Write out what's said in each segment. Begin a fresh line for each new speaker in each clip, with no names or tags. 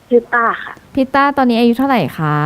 ชื่อต้าค่ะ
พี่ต้าตอนนี้อายุเท่าไหร่คะ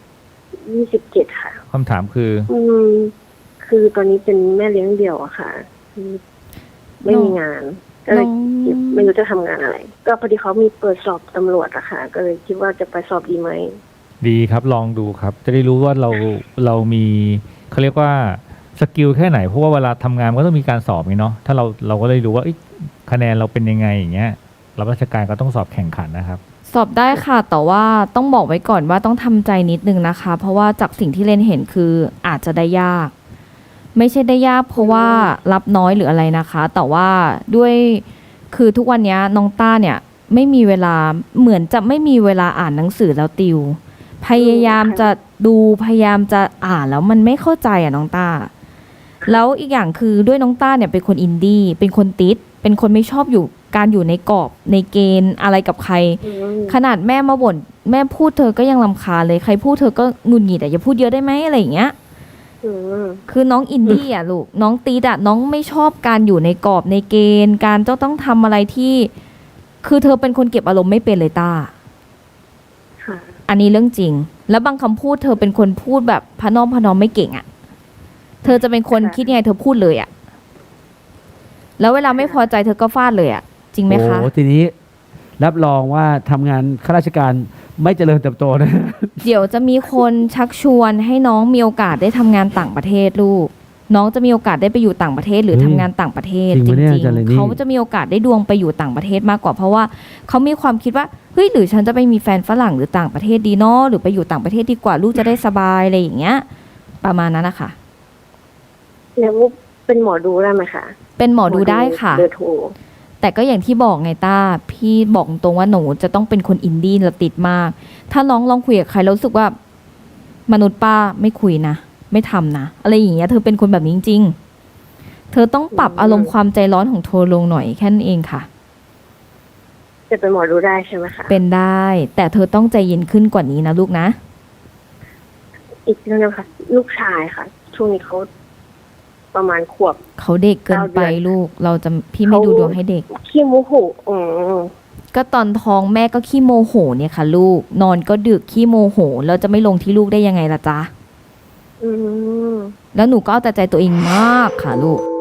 27ค่ะ
คำถามคือ
อืมคือตอนนี้เป็นแม่เลี้ยงเดี่ยวอะค่ะคือไม่
น้อง
มีงานก็เลย
น้อง
คิดไม่รู้จะทำงานอะไรก็พอดีเขามีเปิดสอบตำรวจอะค่ะก็เลยคิดว่าจะไปสอบดีไหม
ดีครับลองดูครับจะได้รู้ว่าเรามีเขาเรียกว่าสกิลแค่ไหนเพราะว่าเวลาทำงานมันก็ต้องมีการสอบไงเนาะถ้าเราก็เลยรู้ว่าคะแนนเราเป็นยังไงอย่างเงี้ยรับราชการก็ต้องสอบแข่งขันนะครับ
สอบได้ค่ะแต่ว่าต้องบอกไว้ก่อนว่าต้องทำใจนิดนึงนะคะเพราะว่าจากสิ่งที่เรนเห็นคืออาจจะได้ยากไม่ใช่ได้ยากเพราะว่ารับน้อยหรืออะไรนะคะแต่ว่าด้วยคือทุกวันนี้น้องต้าเนี่ยไม่มีเวลาเหมือนจะไม่มีเวลาอ่านหนังสือแล้วติวพยายามจะดูพยายามจะอ่านแล้วมันไม่เข้าใจอ่ะน้องต้าแล้วอีกอย่างคือด้วยน้องต้าเนี่ยเป็นคนอินดี้เป็นคนติดเป็นคนไม่ชอบอยู่การอยู่ในกรอบในเกณฑ์อะไรกับใครขนาดแม่มาบ่นแม่พูดเธอก็ยังรำคาญเลยใครพูดเธอก็หงุดหงิดอ่ะอย่าพูดเยอะได้ไหมอะไรอย่างเงี้ยคือน้องอินดี้อ่ะลูกน้องตีดอ่ะน้องไม่ชอบการอยู่ในกรอบในเกณฑ์การต้องทำอะไรที่คือเธอเป็นคนเก็บอารมณ์ไม่เป็นเลยต้าอันนี้เรื่องจริงแล้วบางคำพูดเธอเป็นคนพูดแบบพะน้อมพะนอมไม่เก่งอ่ะเธอจะเป็นคนคิดยังไงเธอพูดเลยอ่ะแล้วเวลาไม่พอใจเธอก็ฟาดเลยอ่ะจริงไหมคะ
โอ้ทีนี้รับรองว่าทำงานข้าราชการไม่เจริญเติบโตนะ
เดี๋ยวจะมีคนชักชวนให้น้องมีโอกาสได้ทำงานต่างประเทศลูกน้องจะมีโอกาสได้ไปอยู่ต่างประเทศหรือทำงานต่างประเทศจริงๆเขาจะมีโอกาสได้ดวงไปอยู่ต่างประเทศมากกว่าเพราะว่าเขามีความคิดว่าเฮ้ยหรือฉันจะไปมีแฟนฝรั่งหรือต่างประเทศดีเนาะหรือไปอยู่ต่างประเทศดีกว่าลูกจะได้สบายอะไรอย่างเงี้ยประมาณนั้นนะคะ
แล้วเป็นหมอดูได้ไหมคะ
เป็นหมอดูได้ค่ะ
เบอร์โทร
แต่ก็อย่างที่บอกไงต้าพี่บอกตรงว่าหนูจะต้องเป็นคนอินดี้และติดมากถ้าน้องลองคุยกับใครแล้วรู้สึกว่ามนุษย์ป้าไม่คุยนะไม่ทำนะอะไรอย่างเงี้ยเธอเป็นคนแบบนี้จริงๆเธอต้องปรับอารมณ์ความใจร้อนของเธอลงหน่อยแค่นั้นเองค่ะ
จะเป็นหมอดูได้ใช่ไหมคะ
เป็นได้แต่เธอต้องใจเย็นขึ้นกว่านี้นะลูกนะ
อีกเรื่องนึงค่ะลูกชายค่ะช่วงนี้เขาประมาณขวบ
เขาเด็กเกินไปลูกเราจะพี่ไม่ดูดวงให้เด็ก
ขี้โมโห
ก็ตอนท้องแม่ก็ขี้โมโหเนี่ยค่ะลูกนอนก็ดึกขี้โมโหแล้วจะไม่ลงที่ลูกได้ยังไงล่ะจ๊ะแล้วหนูก็เอาแต่ใจตัวเองมากค่ะลูก